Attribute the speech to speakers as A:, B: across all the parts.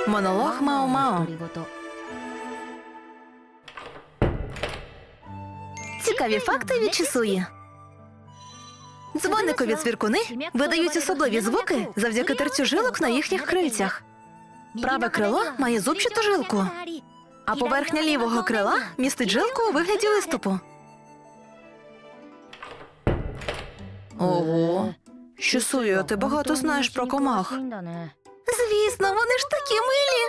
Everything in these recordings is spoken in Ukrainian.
A: Монолог Мао-Мао. Цікаві факти від Чісуї. Дзвоникові цвіркуни видають особливі звуки завдяки терцю жилок на їхніх крильцях. Праве крило має зубчату жилку, а поверхня лівого крила містить жилку у вигляді виступу. Ого, Чісуя, ти багато знаєш про комах. Звісно, вони ж такі милі.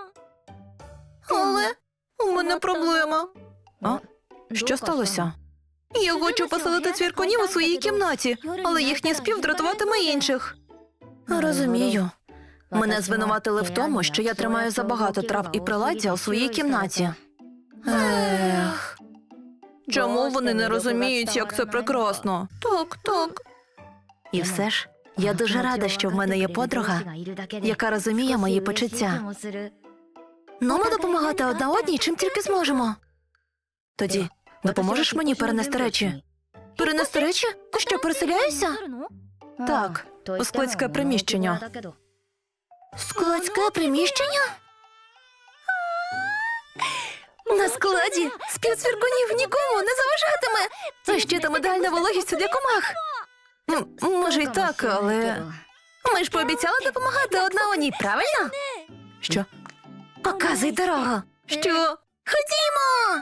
A: Але у мене проблема. А? Що сталося? Я хочу поселити цвіркунів у своїй кімнаті, але їхній спів дратуватиме інших. Розумію. Мене звинуватили в тому, що я тримаю забагато трав і приладдя у своїй кімнаті. Ех. Чому вони не розуміють, як це прекрасно? Так. І все ж, я дуже рада, що в мене є подруга, яка розуміє мої почуття. Ну, ми допомагати одна одній, чим тільки зможемо. Тоді, допоможеш мені перенести речі? Перенести речі? Ти що, переселяєшся? Так, у складське приміщення. Складське приміщення? На складі спів цвіркунів нікому не заважатиме. А ще там ідеальна вологість для комах. Може й так, але... Ми ж пообіцяли допомагати одна одній, правильно? Що? Показуй дорогу. Що? Ходімо!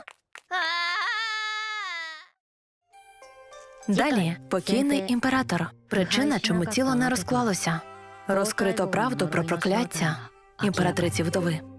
A: Далі покійний імператор. Причина, чому тіло не розклалося. Розкрито правду про прокляття імператриці вдови.